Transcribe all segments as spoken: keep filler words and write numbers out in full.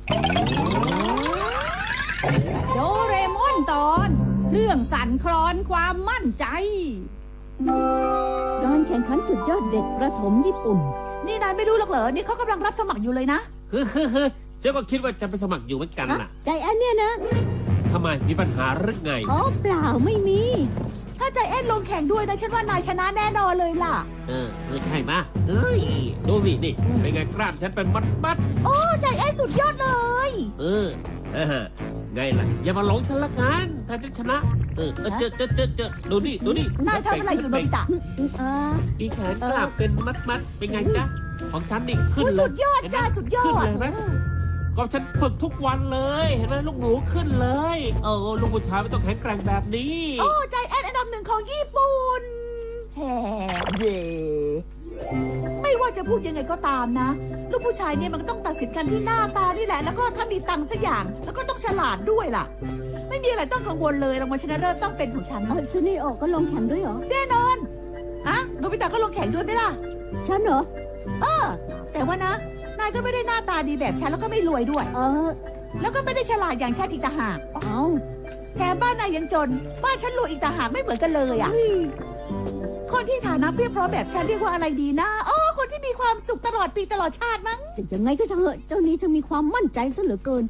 โดเรมอนตอนเรื่องสั่นคลอนความมั่นใจการแข่งขันสุดยอดเด็กประถมญี่ปุ่นนี่นายไม่รู้หรอกเหรอนี่เขากำลังรับสมัครอยู่เลยนะฮึฮึฮึเจ้าก็คิดว่าจะไปสมัครอยู่เหมือนกันน่ะใจแอนเนี่ยนะทำไมมีปัญหาหรือไงอ๋อเปล่าไม่มีถ้าใจแอนลงแข่งด้วยนะฉันว่านายชนะแน่นอนเลยล่ะเออเออใช่ไหมเฮ้ยดูสินี่เป็นไงกล้ามฉันเป็นมัดมัดโอ้ใจแอนสุดยอดเลยเออเออไงล่ะอย่ามาหลงฉันละกันถ้าฉันชนะเออเจอเจอเจอเจอดูนี่ดูนี่นายทำอะไรอยู่โนบิตะมีแขนกล้ามเป็นมัดมัดเป็นไงจ๊ะของฉันนี่ขึ้นเลยสุดยอดจ้าสุดยอดเห็นไหมก็ฉันฝึกทุกวันเลยเห็นไหมลูกหนูขึ้นเลยเออลูกผู้ชายไม่ต้องแข็งแกร่งแบบนี้โอ้ใจแอนอันดับหนึ่งของญี่ปุ่นแฮ่เย่ไม่ว่าจะพูดยังไงก็ตามนะลูกผู้ชายเนี่ยมันก็ต้องตัดสินกันที่หน้าตานี่แหละแล้วก็ถ้ามีตังค์สักอย่างแล้วก็ต้องฉลาดด้วยล่ะไม่มีอะไรต้องกังวลเลยรางวัลชนะเลิศต้องเป็นของฉันเออซูนิโอก็ลงแข่งด้วยเหรอแน่นอนอะโนบิตะก็ลงแข่งด้วยไหมล่ะฉันเหรอเออแต่ว่านะนายก็ไม่ได้หน้าตาดีแบบฉันแล้วก็ไม่รวยด้วยเออแล้วก็ไม่ได้ฉลาดอย่างฉันอีกต่างหากเอาแถมบ้านนายยังจนบ้านฉันรวยอีกต่างหากไม่เหมือนกันเลยอ่ะคนที่ฐานะเพียบพร้อมแบบฉันเรียกว่าอะไรดีนะอ๋อคนที่มีความสุขตลอดปีตลอดชาติมั้งแต่ยังไงก็ช่างเถอะเจ้านี้จะมีความมั่นใจซะเหลือเกิน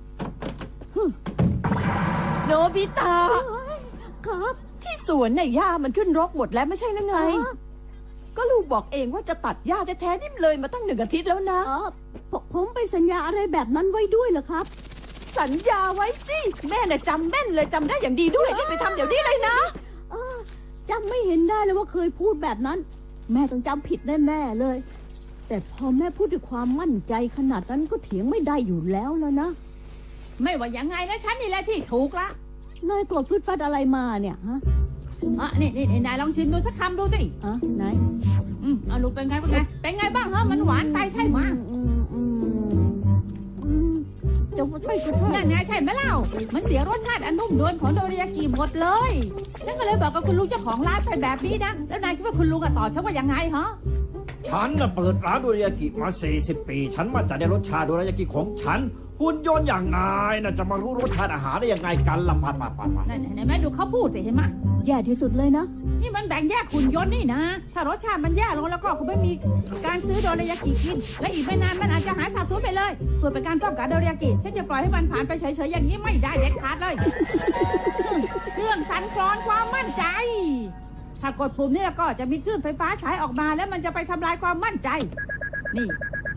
โนบิตะครับที่สวนเนี่ยหญ้ามันขึ้นรกหมดแล้วไม่ใช่หรือไงก็ลูกบอกเองว่าจะตัดหญ้าแท้ๆนี่เลยมาตั้งหนึ่งอาทิตย์แล้วนะอ๋อผมไปสัญญาอะไรแบบนั้นไว้ด้วยเหรอครับสัญญาไว้สิแม่เนี่ยจำแม่นเลยจำได้อย่างดีด้วยรีบไปทำเดี๋ยวนี้เลยนะเออจำไม่เห็นได้เลยว่าเคยพูดแบบนั้นแม่ต้องจำผิดแน่ๆเลยแต่พอแม่พูดด้วยความมั่นใจขนาดนั้นก็เถียงไม่ได้อยู่แล้วแล้วนะไม่ว่ายังไงนะฉันนี่แหละที่ถูกละนายโกรธพืดฟัดอะไรมาเนี่ยฮะอ่ะนี่นี่นายลองชิมดูสักคำดูสิอ่ะไหนอืมเอาลูกเป็นไงเป็นไงเป็นไงบ้างฮะมันหวานไปใช่ไหมอืมอืมอืมจะใช่ก็ใช่นั่นไงใช่ไหมเล่ามันเสียรสชาติอันนุ่มนวลของโดริยากิหมดเลยฉันก็เลยบอกกับคุณลุงเจ้าของร้านไปแบบนี้นะแล้วนายคิดว่าคุณลุงตอบฉันว่ายังไงฮะฉันน่ะเปิดร้านโดริยากิมาสี่สิบปีฉันมั่นใจในรสชาติโดริยากิของฉันหุ่นยนต์อย่างนายน่ะจะมารู้รสชาติอาหารได้ยังไงกันล่ะปัดปัดปัดปัดนั่นเห็นไหมดูเขาพูดสิเห็นไหมแย่ที่สุดเลยนะนี่มันแบ่งแยกหุ่นยนต์นี่นะถ้ารสชาติมันแย่ลงแล้วก็คงไม่มีการซื้อโดริยากิกินและอีกไม่นานมันอาจจะหายสาบสูญไปเลยเพื่อเป็นการป้องกันโดริยากิฉันจะปล่อยให้มันผ่านไปเฉยๆอย่างนี้ไม่ได้เด็ดขาดเลยเครื่องสั่นคลอนความมั่นใจถ้ากดปุ่มนี่แล้วก็จะมีคลื่นไฟฟ้าฉายออกมาแล้วมันจะไปทำลายความมั่นใจนี่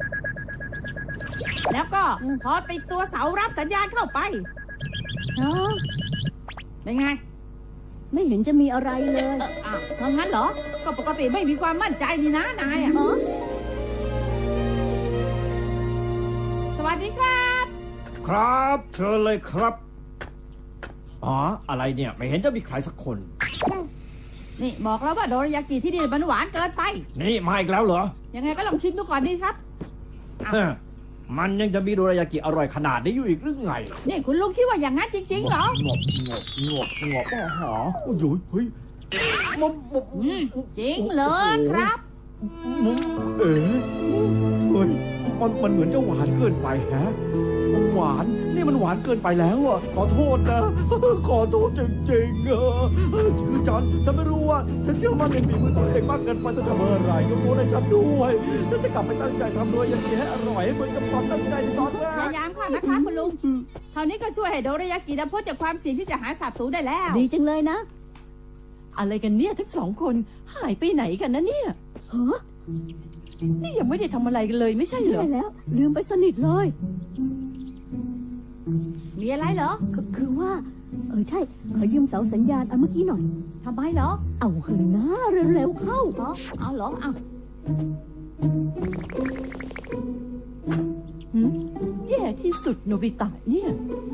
แล้วก็พอติดตัวเสารับสัญญาณเข้าไปอ๋อเป็นไงไม่เห็นจะมีอะไรเลยเอออ้าวงั้นเหรอก็ปกติไม่มีความมั่นใจนี่นะนายอ่ะสวัสดีครับครับเชิญเลยครับอ๋ออะไรเนี่ยไม่เห็นจะมีใครสักคนนี่บอกแล้วว่าโดริยากิที่นี่มันหวานเกินไปนี่มาอีกแล้วเหรอยังไงก็ลองชิมดูก่อนดีครับมันยังจะมีโดริยากิอร่อยขนาดนี้อยู่อีกหรือไงนี่คุณลุงคิดว่าอย่างนั้นจริงๆเหรองบงบงบงบอ๋อหอโอ้ยเฮ้ยมันจริงเลยครับเอ๋เฮ้ยมันมันเหมือนจะหวานเกินไปฮะหวานนี่มันหวานเกินไปแล้วอ่ะขอโทษนะขอโทษจริงๆเออคือฉันฉันไม่รู้ว่าฉันเชื่อมั่นในฝีมือตัวเองมากเกินไปตั้งแต่เมื่อไหร่ยกโทษให้ฉันด้วยฉันจะกลับไปตั้งใจทำด้วยอย่างนี้ให้อร่อยเหมือนกับความตั้งใจในตอนแรกพยายามค่ะนะคะคุณลุงเท่านี้ก็ช่วยให้โดริยากิพ้นจากความเสี่ยงที่จะหายสาบสูญได้แล้วดีจังเลยนะอะไรกันเนี่ยทั้งสองคนหายไปไหนกันนะเนี่ยฮะนี่ยังไม่ได้ทำอะไรกันเลยไม่ใช่เหรอใช่แล้วลืมไปสนิทเลยมีอะไรเหรอก็คือว่าเออใช่ขอยืมเสาสัญญาณเอาเมื่อกี้หน่อยทำไมเหรอเอาขึ้นนะเร็วๆเข้าเหรอเอาเหรอเอาแย่ที่สุดโนบิตะเนี่ย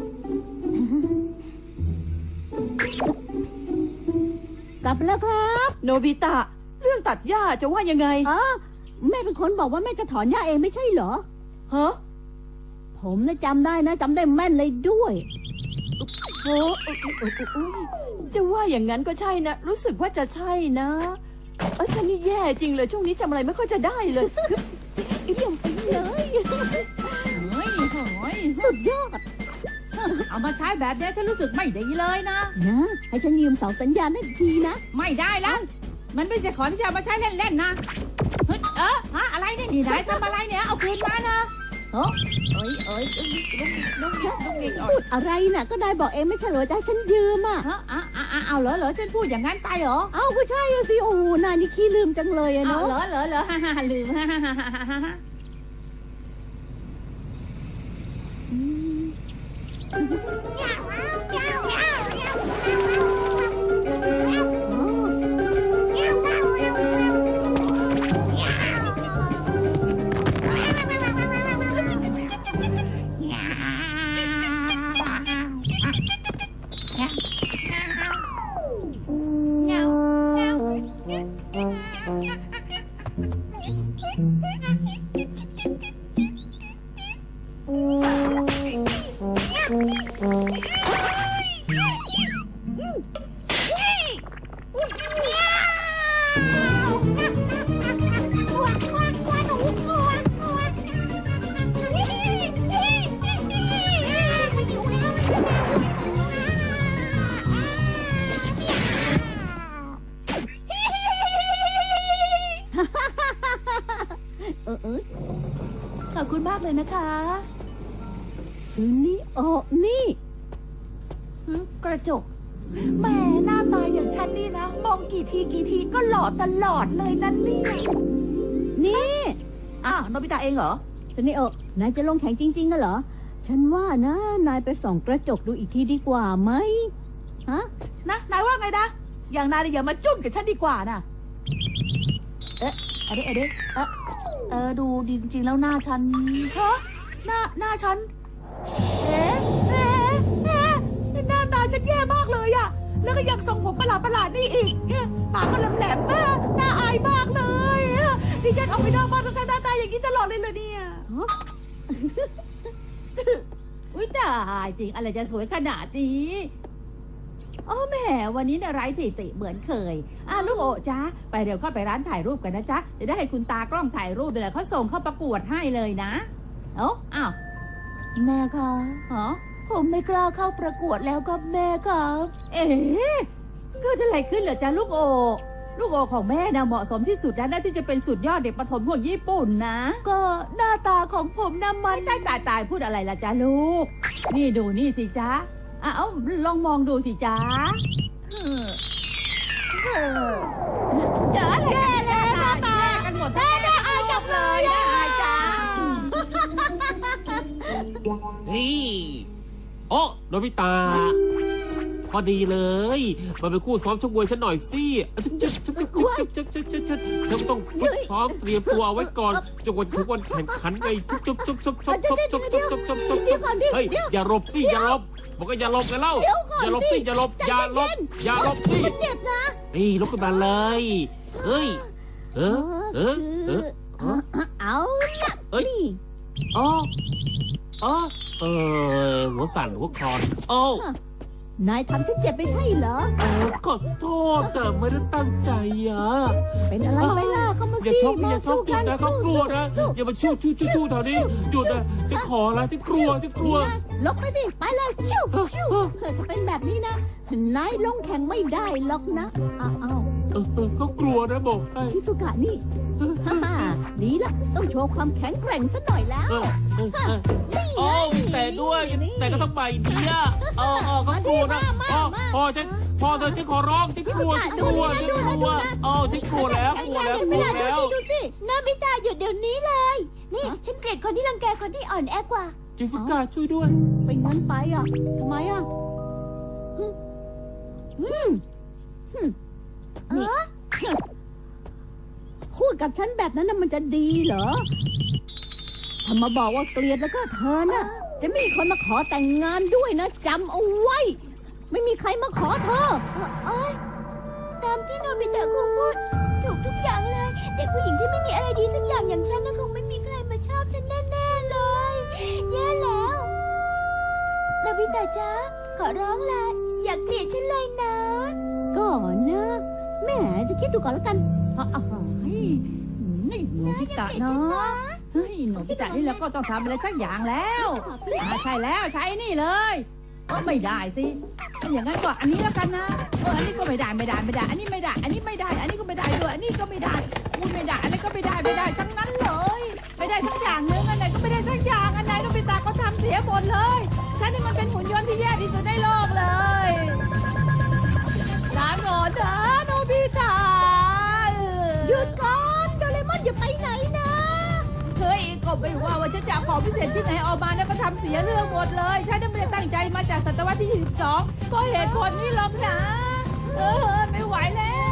กลับแล้วครับโนบิตะเรื่องตัดหญ้าจะว่ายังไงอ๋อแม่เป็นคนบอกว่าแม่จะถอนหญ้าเองไม่ใช่เหรอฮะผมนะจำได้นะจำได้แม่นเลยด้วยโอ้จะว่าอย่างนั้นก็ใช่นะรู้สึกว่าจะใช่นะเออฉันนี่แย่จริงเลยช่วงนี้จำอะไรไม่ค่อยจะได้เลยเอี่ยมไปเลยเฮ้ยเฮ้ยสุดยอดเอามาใช้แบบนี้ฉันรู้สึกไม่ดีเลยนะนะ ให้ฉันยืมเสาสัญญาณนั่นทีนะไม่ได้แล้วมันไม่ใช่ของที่จะเอามาใช้เล่นๆนะเฮ้ยเออฮะอะไรเนี่ยนี่นายทำอะไรเนี่ยเอาคืนมานะเอ้เอ้ยเอ้ยลุกลุกลุกลุกลุกพูดอะไรน่ะ ก็ได้บอกเองไม่ใช่เหรอจะให้ฉันยืมอ่ะฮะอ่ะอ่ะอ่ะเอาเหรอเหรอฉันพูดอย่างนั้นไปเหรอเอ้าก็ใช่อะสิ โอ้โหนายนี่ขี้ลืมจังเลยอะเอาเนาะเหรอเหรอเหรอฮ่าฮ่าฮ่าลืมฮ่าฮ่าฮ่าฮ่าฮ่าฮ่าอืมอ๋อ เออเออขอบคุณมากเลยนะคะซึนิโอะนี่หึกระจกแหมหน้าตาอย่างฉันนี่นะ มองกี่ทีกี่ทีก็หล่อตลอดเลยนั่นเนี่ยนี่อ้าวโนบิตะเองเหรอซึนิโอะนายจะลงแข่งจริงๆกันเหรอ ฉันว่านะ นายไปส่องกระจกดูอีกทีดีกว่าไหมฮะนะนายว่าไงนะ อย่างนายเนี่ยอย่ามาจุ้นกับฉันดีกว่านะเอ๊ะอะเดะอะเดะเอ๊ะเออดูจริงๆแล้วหน้าฉันฮะหน้าหน้าฉันเอ๊ะเอ๊ะเอ๊ะหน้าตาฉันแย่มากเลยอะแล้วก็ยังทรงผมประหลาดประหลาดๆนี่อีกเอ๊ะปากก็แหลมๆมากน่าอายมากเลยเอ๊ะดิฉันออกไปนอกบ้านต้องการหน้าตาอย่างนี้ตลอดเลยเลยเนี่ยอุ้ยตายจริงอะไรจะสวยขนาดนี้โอ้แหมวันนี้เนี่ยไร้ที่ติเหมือนเคยอ่ะลูกโอะจ้าไปเร็วเข้าไปร้านถ่ายรูปกันนะจ๊ะจะได้ให้คุณตากล้องถ่ายรูปไปเลยเขาส่งเข้าประกวดให้เลยนะเอ้าอ้าวแม่คะฮะผมไม่กล้าเข้าประกวดแล้วครับแม่ครับเอ๊ะเกิดอะไรขึ้นเหรอจ๊ะลูกโอลูกโอของแม่นะเหมาะสมที่สุดแล้วนะที่จะเป็นสุดยอดเด็กประถมของญี่ปุ่นนะก็หน้าตาของผมน่ะมันตายตายตายพูดอะไรล่ะจ๊ะลูก นี่ดูนี่สิจ๊ะอ่ะเอ้าลองมองดูสิจ๊ะเจออะไรกันแน่หน้าตากันหมดแน่น่าอายจังเลยน่าอายจังนี่โอ้โนบิตา พอดีเลยมาเป็นคู่ซ้อมชกมวยฉันหน่อยสิชุบชุบชุบชุบชุบชุบชุบชุบชุบฉันต้องฝึกซ้อมเตรียมตัวเอาไว้ก่อนจนกว่าถึงวันแข่งขันไงชุบชุบชุบชุบชุบชุบชุบชุบชุบชุบชุบเดี๋ยวก่อนดิเฮ้ยอย่าหลบสิอย่าหลบบอกว่าอย่าหลบกันเล่าเดี๋ยวก่อนอย่าหลบสิสิอย่าหลบอย่าหลบอย่าหลบสิเจ็บนะนี่ลุกขึ้นมาเลยเฮ้ยเออเออเออเอาละเอ้ยนี่อ๋ออ๋อเออหัวสั่นหัวคลอนโอ้นายทำฉันเจ็บไม่ใช่เหรอเออขอโทษนะไม่ได้ตั้งใจอ่ะเป็นอะไรไปล่ะเข้ามาอย่าสิชกมาอย่าชสู้กหยุกัดนนะเขาสู้กลัวนะสู้อย่ามาชู้ชู้ชู้ชู้แถวนี้หยุดนะฉันขอแล้วฉันกลัวฉันกลัวนี่นะลบไปสิ ไปเลยชิวชิวเกิดจะเป็นแบบนี้นะ นายลงแข่งไม่ได้หรอกนะอ้าวอ้าวเออเออเขากลัวนะบอกให้ชิสุกะนี่ฮ่าฮ่าดีละต้องโชว์ความแข็งแกร่งสักหน่อยแล้วเออเออเออโอ้มีแต่ด้วยแต่ก็ต้องใบเดียวเออเออเขากลัวนะพ่อพ่อฉันพ่อเธอฉันขอร้องฉันกลัวฉันกลัวฉันกลัวเออฉันกลัวแล้วกลัวแล้วกลัวแล้วดูสินาบิตาหยุดเดี๋ยวนี้เลย นี่ฉันเกลียดคนที่รังแกคนที่อ่อนแอกว่าจิสุกะช่วยด้วยเป็นงั้นไปอ่ะทำไมอ่ะฮึอืมฮึนี่ฮึพูดกับฉันแบบนั้นน่ะมันจะดีเหรอถ้ามาบอกว่าเกลียดแล้วก็เธอน่ะ จะไม่มีคนมาขอแต่งงานด้วยนะจำเอาไว้ ไม่มีใครมาขอเธอเอ้ยตามที่โนบิตะคงพูดถูกทุกอย่างเลย เด็กผู้หญิงที่ไม่มีอะไรดีสักอย่างอย่างฉันน่ะคงไม่มีใครมาชอบฉันแน่ๆเลย แย่แล้วโนบิตะจ๊ะขอร้องละอย่าเกลียดฉันเลยนะก่อนนะแหม่จะคิดดูก่อนแล้วกันอ่ะอ่ะเฮ้ยนี่หนูพิตะเนาะเฮ้ยโนบิตะนี่แล้วก็ต้องทำอะไรสักอย่างแล้วอ่าใช่แล้วใช้นี่เลยเออไม่ได้สิถ้าอย่างนั้นก็อันนี้แล้วกันนะเอออันนี้ก็ไม่ได้ไม่ได้ไม่ได้ อันนี้ไม่ได้ อันนี้ไม่ได้ อันนี้ก็ไม่ได้ด้วยอันนี้ก็ไม่ได้อุ้ยไม่ได้อะไรก็ไม่ได้ไม่ได้ทั้งนั้นเลยไม่ได้ทั้งอย่างนึงอันไหนก็ไม่ได้ทั้งอย่างอันไหนโนบิตะก็ทำเสียหมดเลยฉันนี่มันเป็นหุ่นยนต์ที่แย่ที่สุดในโลกเลยลาก่อนนะโนบิตะหยุดก่อนโดเรมอนอย่าไปไหนนะเฮ้ยก็ไม่ว่าว่าฉันจะเอาของพิเศษชิ้นไหนออกมาแล้วก็ทำเสียเรื่องหมดเลยฉันไม่ได้ตั้งใจมาจากศตวรรษที่ยี่สิบสองก็เหตุผลนี้หรอกนะเออไม่ไหวแล้ว